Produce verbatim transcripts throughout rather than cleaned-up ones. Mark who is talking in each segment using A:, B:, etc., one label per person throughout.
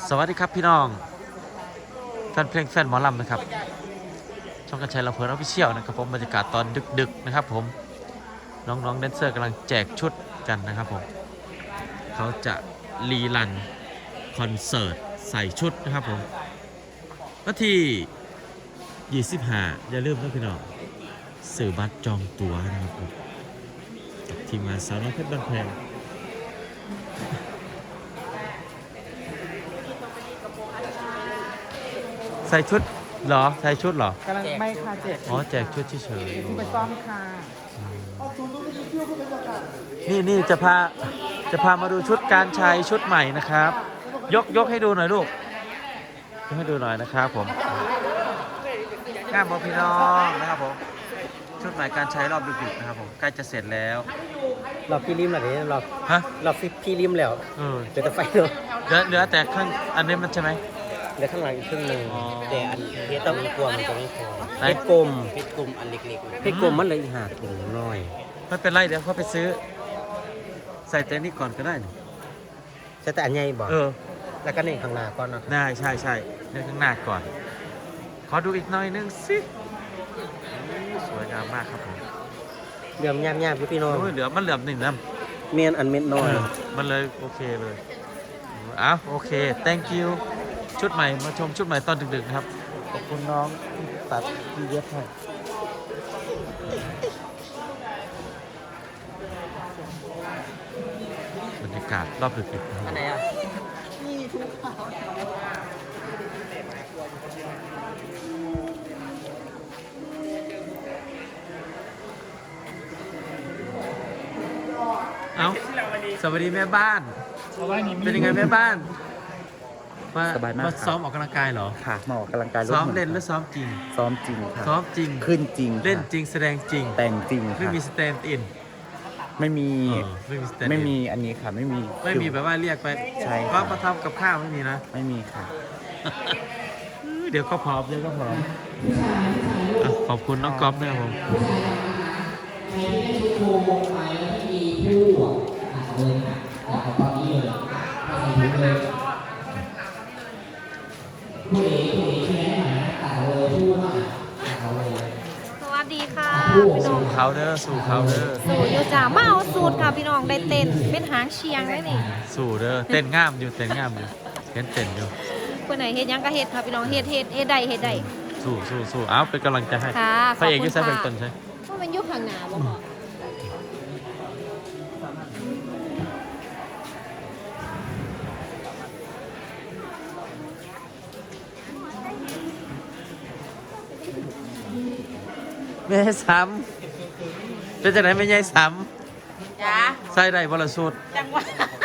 A: สวัสดีครับพี่น้องแฟนเพลงแฟนหมอลำนะครับช่องกันชัยลำเพลินออฟฟิเชียลนะครับผมบรรยากาศตอนดึกๆนะครับผมน้องๆแดนเซอร์กำลังแจกชุดกันนะครับผมเขาจะรีรันคอนเสิร์ตใส่ชุดนะครับผมวันที่ยี่สิบห้าอย่าลืมนะพี่น้องซื้อบัตรจองตั๋วนะครับผมกับทีมงานสาวน้อยเพชรบ้านแพงใส่ชุดเหรอใส่ชุดเหรอก
B: ำลังไม่ค่ะแจก
A: อ๋อแจกชุดเฉย
B: ไปซ้อมค่ะ
A: ๆนี่นี่จะพาจะพามาดูชุดการใช้ชุดใหม่นะครับยกยกให้ดูหน่อยลูกยกให้ดูหน่อยนะครับผมงามบอพี่น้องนะครับผมชุดใหม่การใช้รอบดึกๆนะครับผมใกล้จะเสร็จแล้ว
C: รอบพี่ริมหรอเนี่ยรอบ
A: ฮะ
C: รอบพี่ริมแล้ว
A: เออ
C: เดี๋ยวจะไฟเนาะ
A: เหลือเหลือแต่ข้างอันนี้มันใช่ไหม
C: เดี๋ยวข้างหลังอีกครึ่งหนึ่งแต่อันเพชรต้องกลัวมันจะไม่พอเพชรกลมเพชรกลมอันเล็กๆเพชรกลมมันเลยหาถุงน้อย
A: ไม่เป็นไรเดี๋ยวเขาไปซื้อใส่แต่นี้ก่อนก็ได้
C: ใช่แต่อันใหญ่บอก
A: เออ
C: แล้วก็เนี่ยข้างหน้าก่อนนะ
A: ได้ใช่ใช่เดี๋ยวข้างหน้าก่อนขอดูอีกหน่อยนึงสิสวยงามมากครับผม
C: เหลื่อมยามๆพี่น้อง
A: เหลือมันเหลือมหนึ่งนะ
C: เมียนอันเม็ดน้อย
A: มันเลยโอเคเลยอ้าวโอเค thank you ชุดใหม่มาชมชุดใหม่ตอนดึกๆนะครับขอบคุณน้องตัดที่เย็บให้บรรยากาศรอบดึกๆ
C: อันไหนอ่ะ
A: เอาสวัสดีแม่บ้านเป็นยังไงแม่บ้านมา
C: สบายมาก
A: มาซ้อมออกกำลังกายเหรอ
C: ค่ะมาออกกำลังกาย
A: ซ้อมเล่นหรือซ้อมจริง
C: ซ้อมจริงค่ะ
A: ซ้อมจริง
C: ขึ้นจริง
A: เล่นจริงแสดงจริง
C: แต่งจริง
A: ไม่มีสแตนด์อิน
C: ไม่มี
A: ไม่มีสแตนด์
C: ไม่มีอันนี้ค่ะไม่มี
A: ไม่มีแบบว่าเรียกไป
C: ใช่
A: ก็มาทำกับข้าวไม่มีนะ
C: ไม่มีค่ะ
A: เดี๋ยวก็พร้อมเดี๋ยวก็พร้อมขอบคุณน้องก๊อฟด้วยครับผม
D: ตอนนี้เลยใส่ถุงเลยผู้เอ๋ผู้เอ๋ที่ไหนหน่อยนะตัดเลยผู้ว่าตัดเลย
E: สวัสดีค่ะ
A: สู่เขาเด้อสู่เขาเด้อ
E: สู่อยู่จ่ามาเอาสูตรค่ะพี่น้องได้เต้นเป็นหางเชียงได้นี่
A: สู่เด้อเต้นงามอยู่เต้นงามอยู่เห็นเต้นอยู่
E: คนไหนเฮ็ดยังก็เฮ็ดค่ะพี่น้องเฮ็ดเฮ็ดเฮ็ดได้เฮ็ดได้
A: สู่สู่สู่อ้าวเป็นกำลังใจให้พระเอกยุ่งใช้เป็นต้นใช่
E: ว่ามันยุคข้างหน้าบ่พอ
A: แม่ซ้ำเป็นจากไหนไม่ใหญ่ซ้ำจ้าใส่ได้บริสุทธิ์จังวะ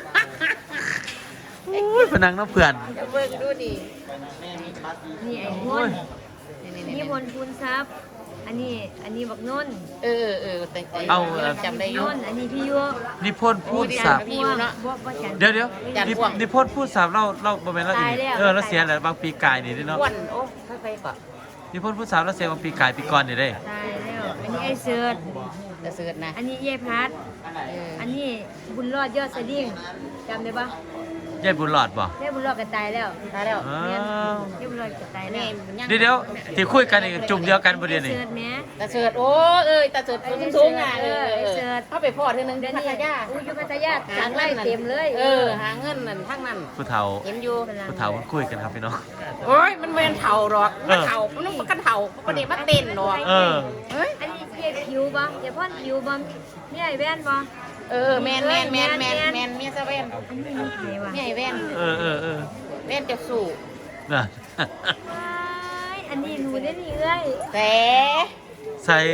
A: อุ้ยพนังน้ำเพื่อน
E: จะเบิ่งดูดินี่ไอ้พลนี่พลพูนซับอันนี้อันนี้บักนน
B: เออเออแต่
A: เอา
E: จำได้ยุ่นอันนี้พี่ยุ
A: นิพนธ์พูดสับเดี๋ยวเดี๋ยวนิพนธ์พูดสับเราเราบริเวณเราอีกเออเราเสียแหละบางปีกายนี่ด้วยเนาะ
B: วันโอ้ใครก่อน
A: นิพนธ์พูดสับเราเสียบางปีกายปีก่อนนี่ได้
E: ตายแล้วอันนี้ไอ้เสิร์ช
B: จะเสิร์ชนะ
E: อันนี้เย่พัดอันนี้บุญรอดยอดสดิ้งจำได้ปะ
A: ยายบุญหลอดบ่
E: ยายบุญรอดก็ตายแล้ว
B: ตายแล้ว
E: ยายบุญรอดก็ตายแล้ว
A: เดี๋ยวเดี๋ยวที่คุยกันนี่จุ่มเดียวกันประเด็นนี่
B: ตาเสิร์ชโอ้เอ้ยตาเสิร์ชสูงอ่ะเออ
E: เสิร์ช
B: เข้าไปพอดเท่านึง
E: เดี๋ยวนี้
B: พัทยา
E: อู้อยู่พัทยาหางไล่เต็มเลย
B: เออหาเงินนั่นทั้งนั้น
A: ผู้เฒ่า
B: เห็นอยู่
A: ผู้เฒ่ามันคุยกันครับพี่น้อง
B: โอ้ยมันเป็นเฒ่าหรอกมันเฒ่ามันต้องกันเฒ่าประเดี๋ยวมันเต้นหรอก
A: เออ
E: เฮ้ยอันนี้เรียกผิวบ่อย่าพ่นผิวบ่มีไอ้แว่นบ่
B: เออแมนแมนแมนแมนแมนเมียซะแว่นเมียแว่น
A: เออเออเออ
B: แว่นจะสู่
A: น่ะ
E: อันนี้หนูได้นี่เอ้ย
B: แต่
A: ใส่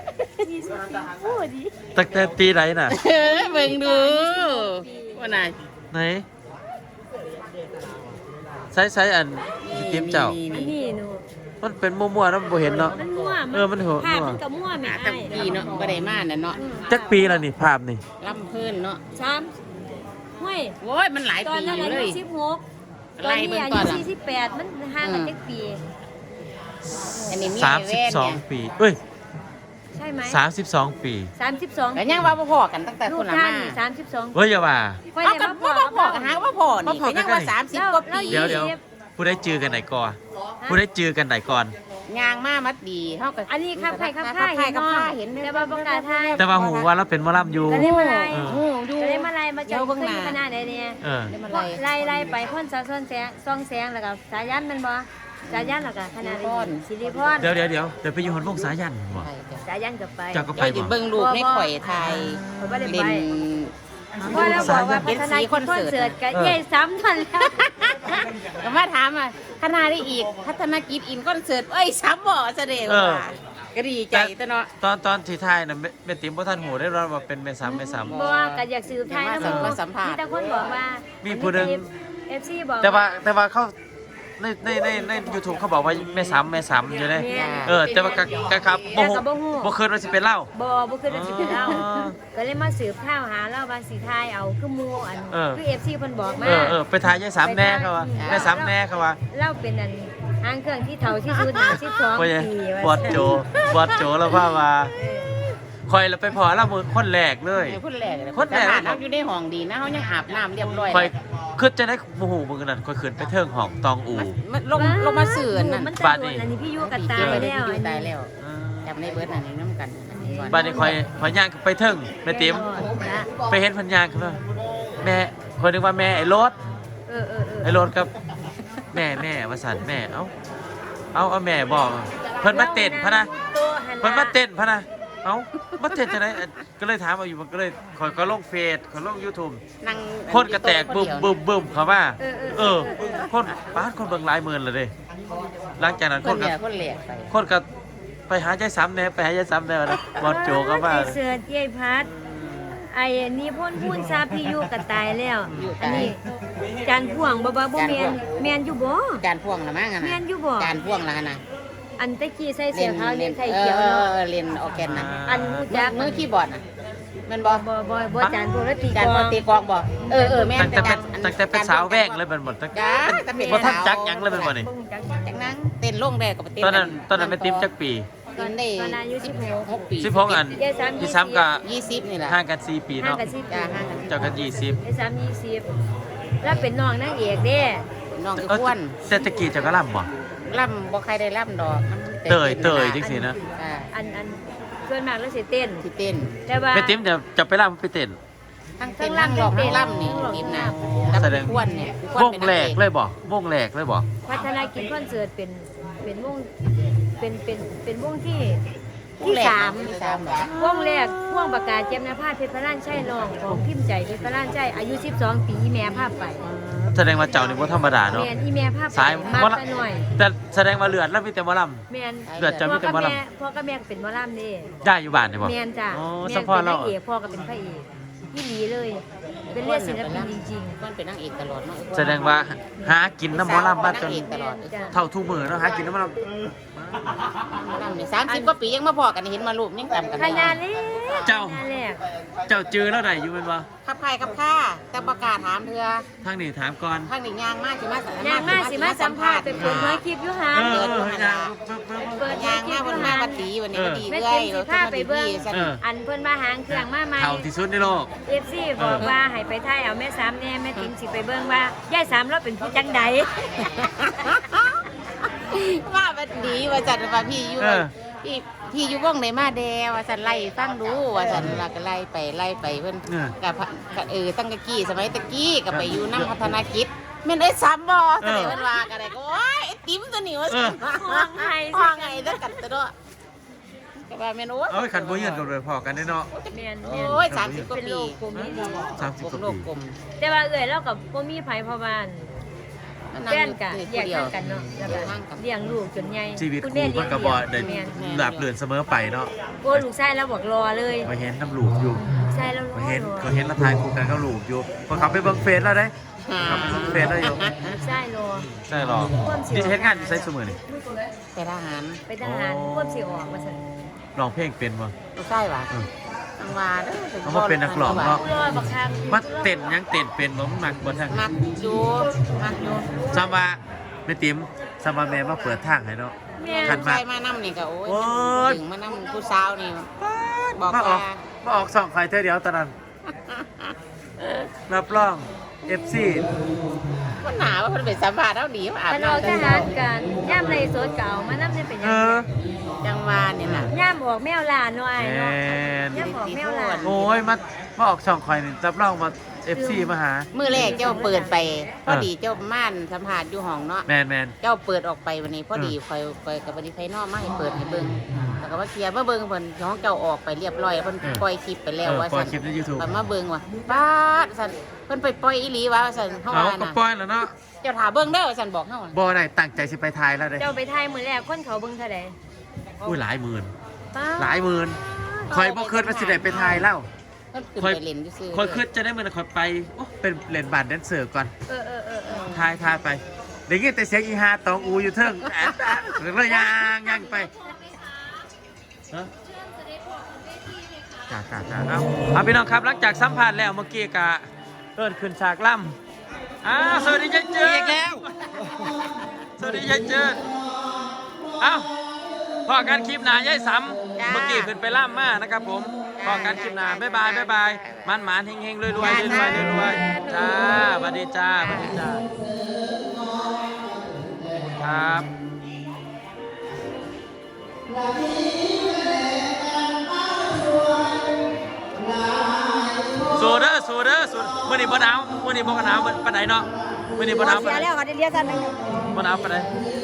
A: ตั้งแต่ปีไหนน่ะ
B: เออเบิ่งดูว่าไหน
A: ไหนใส่ใส่อันทีมเจ้า
E: อันนี้หนู
A: มันเป็นมั่วๆแล้วบ่เห็นเนาะ
E: มันมั่ว
A: เออมันหัว
E: ภาพมันก็มั่วแม่
B: ตั้งปีเนาะบ่ได้มาน่ะเนาะ
A: จักปีแล้วนี่ภาพนี่
B: ลำเพิ่นเนาะ
E: สามห้วย
B: โว้ยมันหลายปีอยู่เลย
E: ตอนนั้นอายุสิบหกตอนนี้อายุสี่สิบแปดมันห่างกันจักปี
A: อันนี้มีสามสิบสองปีเอ้ย
E: ใช่ไหม
A: สามสิบสองปี
E: สามสิบสอง
B: แล้วยังว่าบ่พอกันตั้งแต่
E: ลู
B: ค
E: ก
B: นละ
E: ท่า
B: มา
E: นสามสิบสอง
A: เฮ้ยอย่าว่า
E: ค่อย
B: เอา
E: ได้
B: กัน
E: มา
B: บ่
E: พ่อ
B: บ่พอกันหาว่าพอนี่ก็ยังว่าสามสิบกว่าปี
A: เดี๋ยวเดี๋ยวผู้ได้จือกันไหนก่อนผู้ได้จือกันไหนก่อน
B: ยางมามัดดีเฮาก็
E: อันนี้ครับใครครับ
B: ค
E: ข้า
B: ใคร
E: เห็น
B: กับ
E: น้อง
B: ข้าเห็น
E: แต่ว่าประกาศไทย
A: แต่ว่าหูว่าเราเป็นหมอลำอยู่
E: ก็ได้มาไล่
A: เออ
B: โอ้ดู
E: ก็ได้มาไล่มาเจอ
B: เดี๋ยวเบิ่ง
E: ขึ้น
B: หน้า
E: คณะใดเนี่ย
A: เออ
B: ได้มา
E: ไล่
B: ไล่
E: ไล่ไปพ่นสะส้นแสงซองแสงแล้วก็สายันแมันบ่สายันแล้วก็คณะใดสิริพร
A: เดี๋ยวเดี๋ยวเดี๋ยวเดี๋ยวไปอยู่หอนวงสายันบ่
E: สายันกับไป
A: เจ้าก็ไป
B: ไปดิ
A: บ่
B: เบิ่งรูปในข่อยไทย
E: เขาบ่ได้ไป
B: เล่น
E: เพราะเราบอกว่าพัฒนาคอนเสิร์ตกับเย่ซ้ำทันแล้ว
B: ก็มาถามอ่ะคณะได้อีกพัฒนากิจอินคอนเสิร์ตเอ้ยซ้ำบ่แสดงว่าก็ดีใจตะเนาะ
A: ตอนตอนที่ไทายน่ะแม่แม่ติ๋มบ่ทันหูได้รอดว่าเป็นแม่ซ้ำแม่ซ้ำ
E: บ่ว่าก็อยากสืบไทยนะ
B: มา
E: บ่
B: สัมภาษณ์
E: มีแต่คนบอกว่า
A: มี
E: มี
A: ผู้หนึ่ง
E: เอฟซีบอก
A: แต่ว่าแต่ว่าเขาในในในใน YouTube เขาบอกว่าแม่ซ้ำแม่ซ้ำอยู่เลย
E: แม่น
A: เออแต่ว่าก็ก็ครับบ่ฮู้
E: แต่ก็บ่ฮู้
A: บ่เคยว่าสิเป็นเล่า
E: บ่บ่คือจะสิเป็นเรา
A: อ๋อ
E: ก็เลยมาสืบข่าวหาเราว่าสิทายเอาคือหมู่อัน
A: เออ
E: คือ เอฟ ซี เพิ่นบอกมา
A: เออเออไปทายยายซ้ำแน่เขาว่าแม่ซ้ำแน่เขาว่า
E: เราเป็นอันหางเครื่องที่เฒ่าที่สุดในสิบสอง
A: ว่าไง
E: ปี
A: บอดโจบอดโจแล้วว่าว่า
E: เออ
A: คอยแล้วไปพอแล้วมือคนแรกเลย
B: เดี๋ยวคนแรกเลย
A: คนแรก
B: แต่บ้านเขาอยู่ในห้องดีนะเขายังอาบน้ำเรียบร้อย
A: คอยขึ้นจะได้โมโหมือนั่นคอยขึ้นไปเทิงห้องตองอู
B: มันมันลงลงมาเสื่อนั่น
E: มัน
A: บา
E: ตา
A: ดนี่
E: ยอันนี้พี่ยุกับตา
B: ตาย
E: ย
B: แล้
E: แล้ว ว
B: ตายแล้ว
A: เออ
B: จำในเบิร์ดอันนี้น้ำกันอันนี้ก่อน
A: บ้านนี้คอยคอยย่างไปเทิงแม่ติ๋มไปเห็นพันยางคือว่าแม่คอยนึกว่าแม่ไอ้รถ
E: เออเออเออ
A: ไอ้รถกับแม่แม่วสันแม่เอ้าเอาเอาแม่บอกเพิ่นมาเต้นพะนะเพิ่นมาเต้นพะนะเอ้ามาเต้นจะไหนก็เลยถามเอาอยู่มันก็เลยคอยก็ลงเฟซคอยลง YouTube
B: นั่ง
A: คนกระแตกบึ้มบึ้มบึ้มเขาว่า
E: เออเออ
A: เออ คนป้าดคนเบิ่งหลายหมื่นเลยเด้หลังจากนั้น
B: ค
A: คน น
B: เห
A: ก็
B: ลี่ยคนเหลี่ยไป
A: คนก็ไปหายายซ้ำแน่ไปหายายซ้ำแน่นะบอลโจก็ว่า
E: ไอ้เสือเย้ยพัดไอ้นี่พ่นพูนซาพี่ยุกับตายแล้วอันนี้จานพ่วงบ่บ่บ่แม่นแม่นอยู่บ่
B: การพ่วงละมั้งอะนะ
E: แม่นอยู่บ่
B: การพ่วงละนะ
E: อันตะกี้ใส่เสื้อขาวเรียนไข่เขียว
B: เอ
E: เนาะ
B: อเรียนออร์แกนนะ
E: อันรู้จัก
B: มือคีย์บอร์ดน่ะแมันบอ
E: บ่บ่บ่จานพวกแล้วตี
B: การ
E: กล
B: พ
E: อ
B: อง ตีกลองบอเออเออแม่
A: ตั้งแต่เป็น
B: อั
A: ตั้งแต่เป็นสาวแวกเลยเป็นหมดตั้ง
B: จ้าตั้งแต่
A: บ่ทันจักหยังเลยเป็นบ่นี่
E: บ่รู้จัก
B: จักนั่งเต้นลงแรกกับเต้น
A: ตอนนั้นตอนนั้นเป็นติ๊มจักปี
B: ตอนได้
E: ตอนอายุสิบหก
B: หกปี
A: สิบหกอัน
E: ยายซ้ำ
A: ที่ซ้ำกับ
B: ยี่สิบนี่แหละ
A: ห่างกันสี่ปี
E: ห่าง
A: เนาะ
E: กันสิบ
B: จ้า
E: ปี
B: ห่างกัน
A: เจ้ากันยี่สิบ
E: ไอ้สามยี่สิบแล้วเป็นน้องนางเอกเด้
B: น้องคือ
A: เออ
B: อ้วน
A: แต่ตะกี้เจ้าก็ล่ำบ่
B: ล่ำบ่ใครได้ล่ำดอกมันแต่
A: เตยเตยจังสินะ
B: จ้า
E: อันอันส่วนมากแล้วสิเต้น
B: ที่เต้น
E: แต่ว่า
A: ไปติ๊มเดี๋ยวจะไปล่ำไปเต้น
B: ทั้งเต้นทั้งร้องทั้งล่ำนี่ทีมนะกับ
A: แสดง
B: อ้วนเนี่ย
A: วงแหลกเลยบ่วงแหลกเลยบ่
E: พัฒนากิจคอนเสิร์ตเป็นเป็นวงเป็นเป็นเป็นวงที่ที่สาม
B: ที่สามเหรอ
E: วงแรกวงประกาศเจมนาภาพเพชรพระล้านใช่น้องของพิมพ์ใจเพชรพระล้านใช่อายุสิบสองปีอีแม่ภาพไป
A: แสดงว่าเจ้านี่บ่ธรรมดาเนาะ
E: แมนอีแม่ภาพไป
A: สาย
E: มาก
A: บ่ละ
E: ซะหน่อย
A: แต่แสดงว่าเลือดแล้วมีแต่หมอลำ
E: แมน
A: เลือดจะมี
E: พ่อ
A: แต่
E: กับ
A: หมอลำ
E: แม่พ่อกับแม่ก็เป็นหมอลำนี่
A: ได้อยู่บ้านนี่บ่
E: แมนจ้ะ
A: อ๋อ
E: แม
A: ส
E: น
A: ปอ
E: เป็
A: ร์
E: น
A: เรา
E: นางเอกพ่อก็เป็นพระเอกที่ดีเลย เป็นเลือดศิลปินจริง
B: อ้วนเป็นนางเอกตลอดเนาะ
A: แสดงว่าหากินน้ำหมอลำบ้านจน
B: นางเอกตลอด
E: ๆจ้ะ
A: เท่าทุกมือเนาะหากินน้ำหมอล
B: ล่ำนี่สามสิบกว่าปียังมาพอกันเห็นมารูปยังจำกัน
E: ข
B: ได้
E: นาดเล็ก
A: เจ้า
E: ขนาดแรก
A: ำเจ้าจือแล้วได้อยู่แม่นบ่
B: ขับใครขับข้าแต่ประกาศถามเธอ
A: ทางนี้ถามก่อน
B: ทางนี้ยางมากสิมาสัมภษณ์
E: ยางมาสิมาสัมภาษณ์ไปเปิดเผยคลิปอยู่หา
A: เออ
E: เปิด
A: เออให้นางเบิ่งเบิ่งเบิ่ง
E: เปิด
B: ยางมากวันมาวันดีวันนี้วันดี
E: แม่
B: เรื่อ
E: เต็
B: ย
E: มสิพาไปเบิ่ง
A: เออ
E: อันเพิ่นมาหางเครื่องมาใหม่
A: เท่าที่สุดในโลก
E: เอฟซีบอกว่าให้ไปถ่ายเอาแม่สามแน่แม่ติ๋มสิไปเบิ่งว่ายายสามเราเป็นผู้จังใด
B: ว่าวันดีว่าจันว่าพี่อยู่
A: เออ
B: พี่พี่อยู่วงไหนมาแดว่าจันไล่ฟังดูว่าจันเราก็ไล่ไปไล่ไปเพิ่น
A: เออ
B: กับกับเออตั้งแต่กี้สมัยตะกี้ก็ไปอยู่น้ำพัฒนากิจแม่นไอ้ซ้ำบ่แสดงว่าว่ากันได้ก็โอ้ยไอ้ติ๋มตัวนี้ว่าซั่น
E: ห้องไห้
B: ห้องไงแล้วกันตัวเนาะก็ว่าแม่นโอ้ย
A: เอ้ยขันบ่ยืนกันเลยพอกันได้เนาะ
E: แม่น
B: โอ
E: แม่น้
B: ยสามสิบกว่า
E: เป็น
B: ปี
E: โลกกลมนี่ดี
A: สามสิบกว่า
B: โล
A: ปี
B: กกลม
E: แต่ว่าเอ่ยเรากับบ่มีไผพ่อบ้าน
B: นั่ง
E: แฟ
B: อน ยู่
E: กะ
B: ที่
E: แยก
B: เดียว
E: ทางกันเนาะแล้ว
B: แย
E: ก็
B: กทางกัน
E: เลี้ยงลูกจนใหญ่
A: ชีวิต
E: คุณ
A: ค
E: แม่
A: รู
E: เลี้
A: มั
E: ย
A: น
E: ง
A: ก็บ่ได้
E: แม่น
A: หลับเลื่อนเสมอไปเนาะ
E: โอ้ลูกชายเราบอกรอเลย
A: มาเห็นน้ำลูกอยู่
E: ลูกชายเราร
A: มา
E: อ
A: เห็น
E: รอ
A: ก็เห็นละทายคู่กันกับลูกอยู่พอเขาไปเบิ่งเฟซแล้วได้เขาไปเบิ่งเฟซแล้วอยู่
E: ลูกชายรอ
A: ใช่หรอนี่จะเฮ็ดงานอยู่ไสซุมื้อนี่
B: ไปทหาร
E: ไปทหารควบสิออกมาซั่น
A: ร้องเพลงเป็นบ่
B: ลูกไส้หวะ
A: เออ
B: ทางวาเด้อ
A: เอามาเป็นนักร้องเนาะ
E: รอบักคัก
A: มาเต้นยังเต้นเป็นบ่มันมักบ่ทาง
B: มักอยู่มักอยู่
A: ซ้ำว่าแม่ติ๋มซ้ำว่าแม่มาเปิดทางให้เนาะ
E: แม่
A: ขัน
B: ใค
A: มาร
B: มานั่นี่ก็โอ้
A: โอ้
B: ย
A: ย
B: ถึงมานั่ผู้สาวนี่บอก
A: มาออ
B: ว่าก
A: มาออกสองไฟเธอเดียวตอนนั้นรับรอง เอฟ ซี
B: มันหนาว่ามันเป็นสัมภาษณ์เท่าดีว่าอาบ
E: มันออก
B: น้ำ
E: ทหารกันย่ามในโซดเก่ามานำได้เป็นห
A: เอ
E: ยัง
A: อ
B: จังหวานี่ล่ะ
E: ย่ามออกแมวลาหน่อยเนาะ
A: แม่น
E: ย่ามออกแมวลา
A: โอ้ยมามาออกสองไฟนี่รับรองมา เอฟ ซี มาหา
B: มื้อแรกเจ้าเปิดไปพอดีเจ้าม่านสัมภาษณ์อยู่ห้องเนาะ
A: แมนแมน
B: เจ้าเปิดออกไปวันนี้พอดีคอยคอยกับวันนี้ไฟนอกมาให้เปิดให้เบิ่งแล้วก็ว่าเคลียร์มาเบิ่งเพิ่นของเจ้าออกไปเรียบร้อยเพิ่น
A: เออ
B: ปล่อยคลิปไปแล้ว
A: เออ
B: ว่า
A: ปล่อย
B: ซั่น
A: คลิปใน YouTube
B: เพิ่นมาเบิ่งว่าป้าดซั่นเพิ่นไปปล่อยอีหลีว่าซั่นเฮา
A: เอา
B: ว่า
A: ก็
B: น่ะ
A: ปล่อยแล้วเนาะ
B: เจ้าถาเบิ่งเด้อว่าซั่นบอกเฮา
A: บอไหนตั้งใจสิไปทายแล้วเด้
E: เจ้าไปไทยมื้อแรกคนเขาเบิ่งเท่าใด
A: อุ้ยหลายหมื่น
E: ป้า
A: หลายหมื่นคอยบ่คิดว่าสิได้ไปทายแล้ว
B: เพิ่นขึ้น
A: คอย
B: ไปเล่นซื่อๆ
A: คอยคิดจะได้มื้อนั้นคอยไปโอ้เป็นเล่นบาสแดนเซอร์ก่อน
E: เออเออเออเออ
A: ทายทายไปได้ยินแต่เสียงอีฮาตองอูอยู่เทิงแอดแอดหรือเลยยางยางไปฮะจ้าจ้าจ้าเอาเอาพี่น้องครับหลังจากสัมภาษณ์แล้วเมื่อกี้กะเอิ้นขึ้นฉากล่ำอ้าวสวัสดียายเจิด
C: อีกแล้ว
A: สวัสดียายเจิดเอ้าพอกันคลิปหนายายสำเมื่อกี้ขึ้นไปล่ำมานะครับผมพอกันคลิปหนาบ๊ายบายบ๊ายบายมันหมานเฮงเฮงรวยรวยรวยรวยรวยจ้าสวัสดีจ้าสวัสดีจ้าครับสูเด้อสูเด้อสูมื่อนี้บ่หนาวมื่อนี้บ่หนาวปานใดเนาะมื่อนี้บ่หนาวปาน
E: เสีย
A: ใด
E: แล้วเขาได้เรียกกันนึง
A: บ่หนาวปานใด